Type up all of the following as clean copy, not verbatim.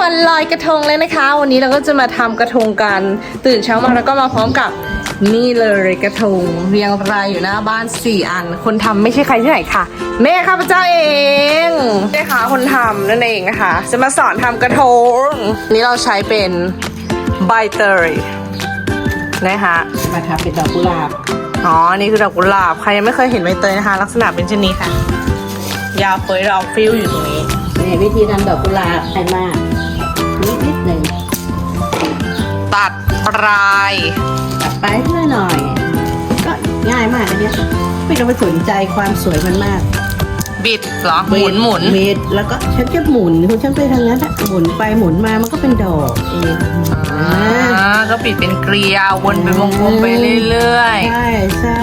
วันลอยกระทงเลยนะคะวันนี้เราก็จะมาทำกระทงกันตื่นเช้ามาแล้วก็มาพร้อมกับนี่เลยกระทงเรียงรายอยู่หน้าบ้าน4 อันคนทำไม่ใช่ใครที่ไหนค่ะแม่ข้าพเจ้าเองแม่ค้าคนทำนั่นเองนะคะจะมาสอนทำกระทงนี่เราใช้เป็นใบเตยนะคะมาทำเป็นดอกกุหลาบอ๋อนี่คือดอกกุหลาบใครยังไม่เคยเห็นใบเตยนะคะลักษณะเป็นเช่นนี้ค่ะยาวเฟ้ยเราฟิวอยู่ตรงนี้นี่วิธีทำดอกกุหลาบง่ายมากนิดหนึ่งตัดปลายตัดไปเพื่อหน่อยก็ง่ายมากอันนี้ไม่ต้องไปสนใจความสวยมันมากบิดเหรอหมุนบิดแล้วก็ฉันจะหมุนคุณฉันไปทางนั้นหมุนไปหมุนมามันก็เป็นดอกเองก็บิดเป็นเกลียววนเป็นวงกลมไปเรื่อยๆใช่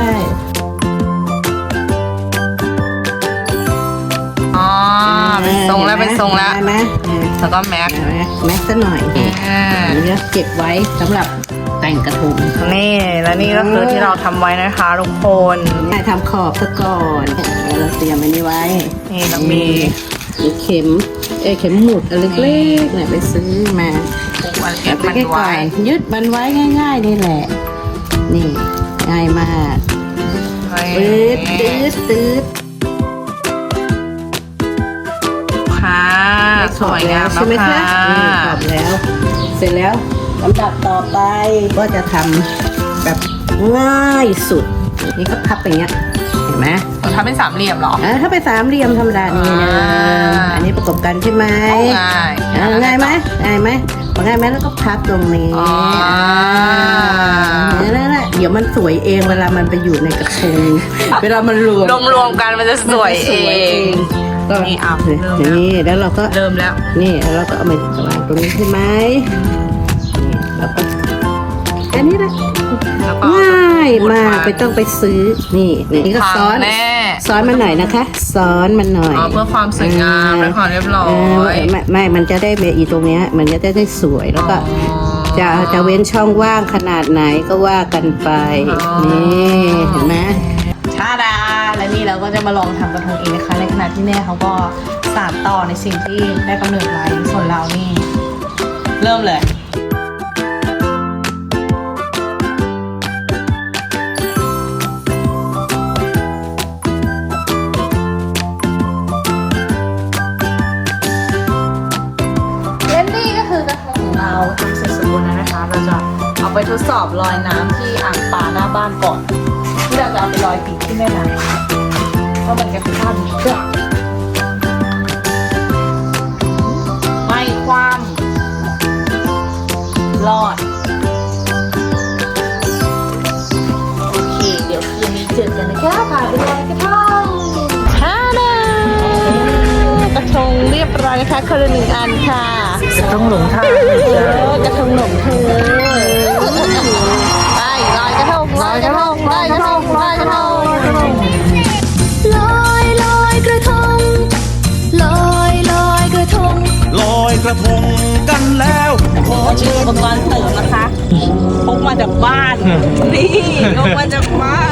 อ๋อเป็นทรงแล้วเป็นทรงแล้วแล้วก็แม็กซะหน่อยนี่เก็บไว้สำหรับแต่งกระทงนี่และนี่ก็คือที่เราทำไว้นะคะทุกคนทำขอบซะก่อนเราเตรียมอันนี้ไว้นี่เรามีเข็มหมุดอันเล็กๆเนี่ยไปซื้อมาไปไว้ยึดมันไว้ง่ายๆนี่แหละนี่ง่ายมากตืดค่ะสวยงามแล้วค่ะขอบแล้วเสร็จแล้วลำดับต่อไปก็จะทำแบบง่ายสุดนี่ก็พับอย่างเงี้ยเห็นไหมทำเป็นสามเหลี่ยมหรอถ้าเป็นสามเหลี่ยมธรรมดานี่นะอันนี้ประกบกันใช่ไหมง่ายไหมแล้วก็พับตรงนี้นั่นแหละเดี๋ยวมันสวยเองเวลามันไปอยู่ในกระทงเวลามันรวมกันมันจะสวยเองก็นี่เอาเลยนี่แล้วเราก็เริ่มแล้วนี่แล้วเราก็เอามาวางตรงนี้ใช่ไหมนี่แล้วก็แค่นี้แหละง่ายมากไม่ต้องไปซื้อนี่ก็ซ้อนมันหน่อยนะคะซ้อนมันหน่อยเพื่อความสวยงามและความเรียบร้อยไม่มันจะได้อีตรงเนี้ยมันจะได้สวยแล้วก็จะเว้นช่องว่างขนาดไหนก็ว่ากันไปนี่เห็นไหมชาดาและนี่เราก็จะมาลองทำกระทงเองนะคะในขณะที่แม่เขาก็สานต่อในสิ่งที่ได้กำเนิดไว้ส่วนเรานี่เริ่มเลยและนี่ก็คือกระทงของเราทำเสร็จสมบูรณ์แล้วนะคะเราจะเอาไปทดสอบลอยน้ำที่อ่างปลาหน้าบ้านก่อนที่เราจะเอาไปลอยปีกที่แม่น้ำว่ามันจะพลาดหรือเปล่าไม่ความรอดโอเคเดี๋ยวคืนนี้เจอกันนะคะพาไปลอยกระทงฮ่านะกระทงเรียบร้อยนะคะคนละ1 อันค่ะกระทงหลงทางกระทงหลงเธอลอยกระทงลอยกระทงลอยกระทงลอยกระทงลอยกระทงลอยกระทงลอยกระทงกันแล้วขอชื่ออุปกรณ์เสริมนะคะพกมาจากบ้านนี่พกมาจากบ้า